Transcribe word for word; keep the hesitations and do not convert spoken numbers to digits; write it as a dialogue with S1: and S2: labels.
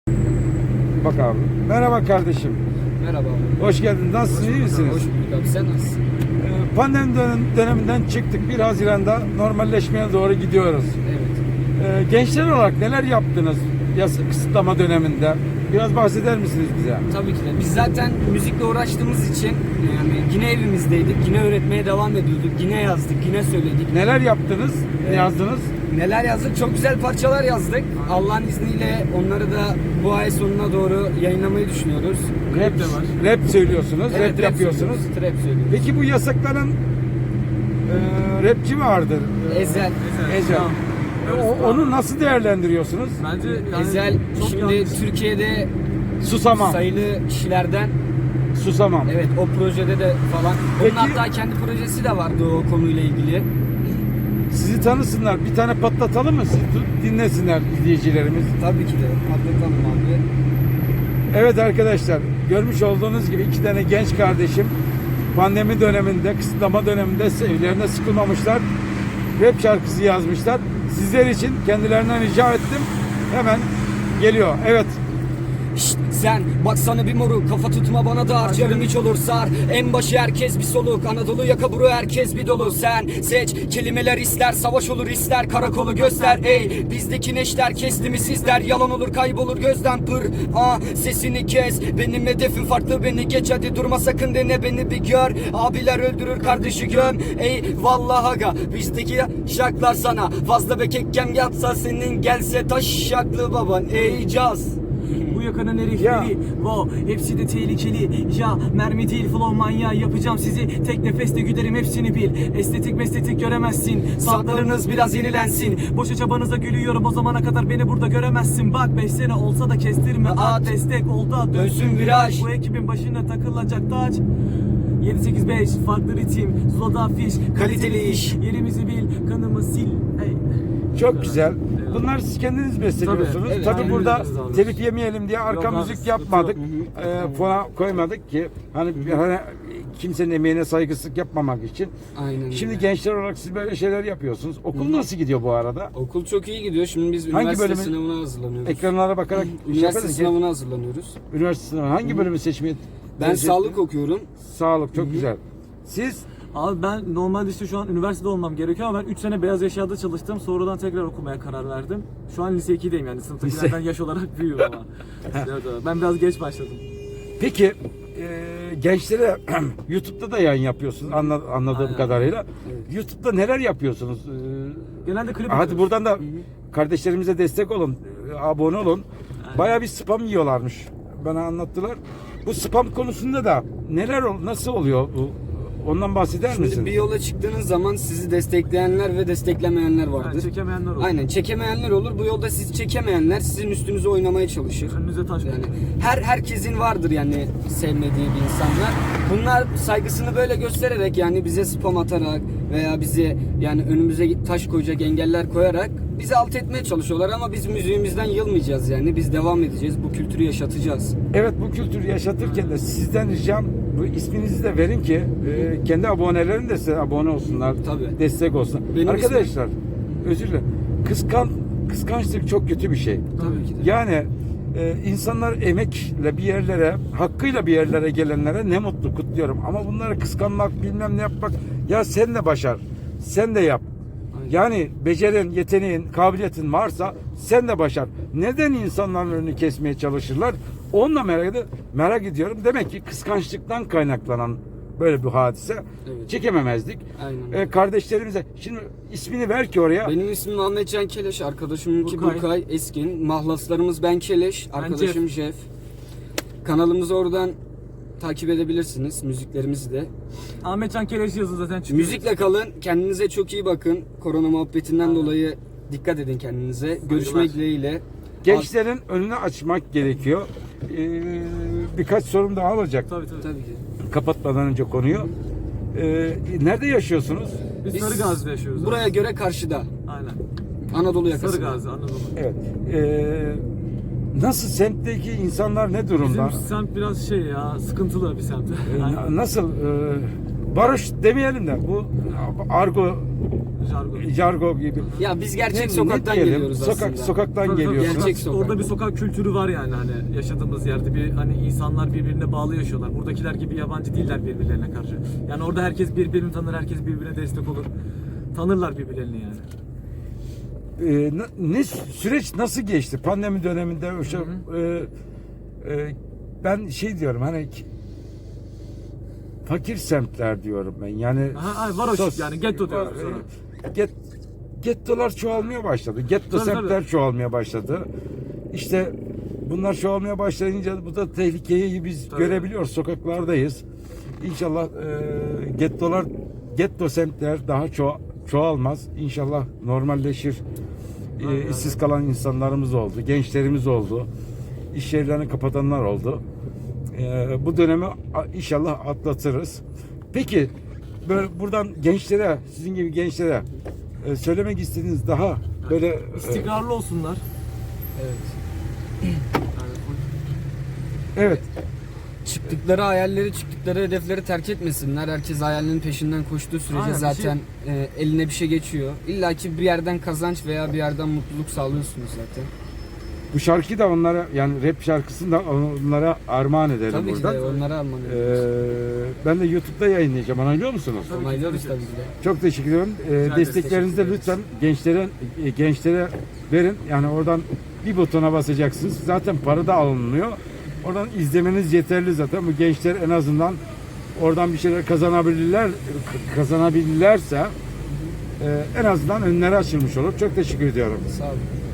S1: Bak abi. Merhaba kardeşim.
S2: Merhaba abi.
S1: Hoş geldin. Nasılsın? İyi misiniz?
S2: Hoş bulduk abi. Sen nasılsın?
S1: Ee, Pandemi dönem- döneminden çıktık. bir Haziran'da normalleşmeye doğru gidiyoruz.
S2: Evet.
S1: Ee, Gençler olarak neler yaptınız yasa kısıtlama döneminde? Biraz bahseder misiniz bize?
S2: Tabii ki de. Biz zaten müzikle uğraştığımız için yani yine evimizdeydik. Yine öğretmeye devam ediyorduk. Yine yazdık. Yine söyledik.
S1: Neler yaptınız? Ne
S2: Evet.
S1: yazdınız?
S2: Neler yazdık? Çok güzel parçalar yazdık. Allah'ın izniyle onları da bu ay sonuna doğru yayınlamayı düşünüyoruz.
S1: Rap, rap söylüyorsunuz,
S2: Evet,
S1: rap yapıyorsunuz.
S2: söylüyoruz, Trap söylüyoruz.
S1: Peki bu yasaklanan e, rapçi vardır.
S2: Ezel.
S1: Ezel. E, o- onu nasıl değerlendiriyorsunuz?
S3: Bence yani
S2: Ezel
S3: çok
S2: şimdi
S3: yanlış.
S2: Türkiye'de
S1: Susamam.
S2: sayılı kişilerden,
S1: Susamam.
S2: evet, o projede de falan.
S1: Peki-
S2: Onun hatta kendi projesi de vardı o konuyla ilgili.
S1: Sizi tanısınlar. Bir tane patlatalım mı? Sizi tu- dinlesinler izleyicilerimiz.
S2: Tabii ki de. Atlatalım abi.
S1: Evet arkadaşlar, görmüş olduğunuz gibi iki tane genç kardeşim pandemi döneminde, kısıtlama döneminde evlerine sıkılmamışlar. Rap şarkısı yazmışlar. Sizler için kendilerinden rica ettim. Hemen geliyor. Evet.
S2: Şşt, sen baksana bir moruk, kafa tutma bana dar, canım hiç olur sar. En başı herkes bir soluk, Anadolu yaka buru herkes bir dolu. Sen seç kelimeler, ister savaş olur ister karakolu göster. Ey bizdeki neşter kesti mi sizler, yalan olur kaybolur gözden pır. Ha sesini kes, benim hedefim farklı, beni geç hadi durma sakın, dene beni bir gör. Abiler öldürür kardeşi göm. Ey vallahi aga bizdeki şarkılar sana fazla be kekkem yatsa senin, gelse taş şaklı baban. Ey caz.
S3: Bu yakanın
S1: Ya.
S3: herifleri wow, hepsi de tehlikeli. Ya mermi değil flow manyağı, yapacağım sizi tek nefeste güderim hepsini bil. Estetik mestetik göremezsin,
S2: Saatleriniz biraz yenilensin.
S3: Boşa çabanıza gülüyorum, o zamana kadar beni burada göremezsin. Bak beş sene olsa da kestirme
S2: At.
S3: at, destek oldu at,
S2: Dönsün viraj.
S3: Bu ekibin başına takılacak taç. yedi sekiz beş farklı ritim, Zula'da afiş,
S2: Kaliteli iş.
S3: Yerimizi bil, kanımı sil. Hey.
S1: Çok güzel. Bunlar siz kendiniz besteliyorsunuz.
S3: Tabii,
S1: Tabii,
S2: evet, aynen
S1: burada
S3: öyle abi.
S1: telif yemeyelim diye arka
S3: Yok abi,
S1: müzik
S3: sıkıntı
S1: yapmadık.
S3: yok.
S1: Ee, fona koymadık ki hani, hani kimsenin emeğine saygısızlık yapmamak için.
S2: Aynen
S1: Şimdi
S2: öyle.
S1: gençler olarak siz böyle şeyler yapıyorsunuz. Okul nasıl gidiyor bu arada?
S2: Okul çok iyi gidiyor. Şimdi biz
S1: Hangi
S2: üniversite
S1: bölümün-
S2: sınavına hazırlanıyoruz.
S1: Ekranlara bakarak şey
S2: Üniversite
S1: yaparız ki,
S2: sınavına hazırlanıyoruz.
S1: üniversite sınavı hangi bölümü seçmeyi
S2: Ben
S1: tercih
S2: sağlık
S1: ettiniz?
S2: okuyorum.
S1: Sağlık çok güzel. Siz
S3: Abi ben normalde işte şu an üniversitede olmam gerekiyor ama ben üç sene beyaz eşyada çalıştım. Sonradan tekrar okumaya karar verdim. Şu an lise ikideyim yani sınıftakilerden yaş olarak büyüğüm ama. Evet, evet. Ben biraz geç başladım.
S1: peki e, gençlere YouTube'da da yayın yapıyorsunuz anla- anladığım
S3: Aynen.
S1: kadarıyla.
S2: Evet.
S1: YouTube'da neler yapıyorsunuz? Ee,
S3: Genelde klip
S1: Hadi
S3: yapıyoruz.
S1: buradan da kardeşlerimize destek olun, e, abone olun. Bayağı bir spam yiyorlarmış. Bana anlattılar. Bu spam konusunda da neler ol, nasıl oluyor bu? Ondan bahseder
S2: Şimdi
S1: misin?
S2: bir yola çıktığınız zaman sizi destekleyenler ve desteklemeyenler vardır.
S3: Yani çekemeyenler olur.
S2: Aynen, çekemeyenler olur. Bu yolda sizi çekemeyenler sizin üstünüze oynamaya çalışır.
S3: Önünüze taş
S2: Yani
S3: koyuyor.
S2: her herkesin vardır yani sevmediği bir insanlar. Bunlar saygısını böyle göstererek, yani bize spam atarak veya bizi yani önümüze taş koyacak engeller koyarak bizi alt etmeye çalışıyorlar ama biz müziğimizden yılmayacağız yani. Biz devam edeceğiz. Bu kültürü yaşatacağız.
S1: Evet, bu kültürü yaşatırken de sizden ricam bu isminizi de verin ki e, kendi abonelerin de size abone olsunlar.
S2: Tabii.
S1: Destek olsun.
S2: Benim
S1: Arkadaşlar özür dilerim. Kıskan, kıskançlık çok kötü bir şey.
S2: Tabii ki de.
S1: Yani e, insanlar emekle bir yerlere, hakkıyla bir yerlere gelenlere ne mutlu, kutluyorum. Ama bunları kıskanmak, bilmem ne yapmak, ya sen de başar, sen de yap.
S2: Aynen.
S1: Yani becerin, yeteneğin, kabiliyetin varsa sen de başar. Neden insanların önünü kesmeye çalışırlar? Onunla merak, ed- merak ediyorum. Demek ki kıskançlıktan kaynaklanan böyle bir hadise.
S2: Evet.
S1: Çekememezdik.
S2: Aynen.
S1: Ee, kardeşlerimize, şimdi ismini ver ki oraya.
S2: Benim ismim Ahmet Can Keleş, arkadaşımınki
S3: Burkay.
S2: Burkay Eskin. Mahlaslarımız ben Keleş,
S3: Ben
S2: arkadaşım Jeff. Kanalımızı oradan takip edebilirsiniz, müziklerimizi de.
S3: Ahmet Can Keleş yazın zaten çıkıyor.
S2: Müzikle kalın, kendinize çok iyi bakın. Korona muhabbetinden dolayı dikkat edin kendinize. Görüşmek dileğiyle.
S1: Gençlerin önünü açmak gerekiyor. Ee, birkaç sorum daha olacak.
S3: Tabii tabii.
S2: Tabii ki.
S1: Kapatmadan önce konuyu. Ee, nerede yaşıyorsunuz?
S3: Biz,
S2: Biz
S3: Sarıgazi'de yaşıyoruz.
S2: Buraya göre karşıda.
S3: Aynen.
S2: Anadolu yakasında.
S3: Sarıgazi, Anadolu.
S1: Evet. Ee, nasıl, semtteki insanlar ne durumda?
S3: Bizim semt biraz şey ya, sıkıntılı bir semt.
S1: Ee,
S3: Aynen.
S1: Nasıl? e, Varoş demeyelim de bu argo,
S3: Jargon.
S1: jargo gibi.
S2: Ya biz gerçek
S1: Ne-
S2: sokaktan
S1: ne diyelim?
S2: geliyoruz
S1: Sokak,
S2: aslında.
S1: Sokaktan
S3: Tabii, tabii.
S1: geliyorsunuz.
S2: Gerçek sokak.
S3: Orada bir sokak kültürü var yani hani yaşadığımız yerde bir hani insanlar birbirine bağlı yaşıyorlar. Buradakiler gibi yabancı değiller birbirlerine karşı. Yani orada herkes birbirini tanır, herkes birbirine destek olur. Tanırlar birbirlerini yani.
S1: Ee, ne, ne süreç nasıl geçti pandemi döneminde o şey, e, e, ben şey diyorum hani ki- fakir semtler diyorum ben yani
S3: Aha, ay, varoş
S1: sos-
S3: yani, getto diyoruz biz ona.
S1: e, get, gettolar çoğalmaya başladı getto
S3: Tabii,
S1: semtler
S3: tabii.
S1: çoğalmaya başladı işte bunlar çoğalmaya başlayınca bu da tehlikeyi biz
S3: Tabii.
S1: görebiliyoruz sokaklardayız İnşallah e, gettolar getto semtler daha ço- çoğalmaz İnşallah normalleşir. E,
S3: Aynen.
S1: işsiz kalan insanlarımız oldu, gençlerimiz oldu, iş yerlerini kapatanlar oldu. E, bu dönemi a- inşallah atlatırız. Peki böyle buradan gençlere, sizin gibi gençlere e, söylemek istediğiniz daha böyle e,
S3: İstikrarlı olsunlar.
S2: Evet.
S3: Yani
S1: evet
S2: Çıktıkları hayalleri, çıktıkları hedefleri terk etmesinler. Herkes hayalinin peşinden koştuğu sürece
S3: Aynen, bir
S2: zaten e, eline bir şey geçiyor. İlla ki bir yerden kazanç veya bir yerden mutluluk sağlıyorsunuz zaten.
S1: bu şarkıyı da onlara yani rap şarkısını da onlara armağan edelim
S2: Tabii ki
S1: buradan.
S2: de onlara alman
S1: E,
S2: ediyoruz.
S1: ben de YouTube'da yayınlayacağım. Onaylıyor musunuz?
S3: tabii ki,
S2: Onaylıyoruz
S3: tabii
S2: tabii
S3: ki.
S2: ki de.
S1: Çok teşekkür ederim. Ee,
S3: ederiz,
S1: desteklerinizi de
S3: teşekkür
S1: lütfen gençlere e, gençlere verin. Yani oradan bir butona basacaksınız. Zaten para da alınmıyor. Oradan izlemeniz yeterli zaten. Bu gençler en azından oradan bir şeyler kazanabilirler kazanabilirlerse e, en azından önleri açılmış olur. Çok teşekkür ediyorum.
S2: Sağ olun.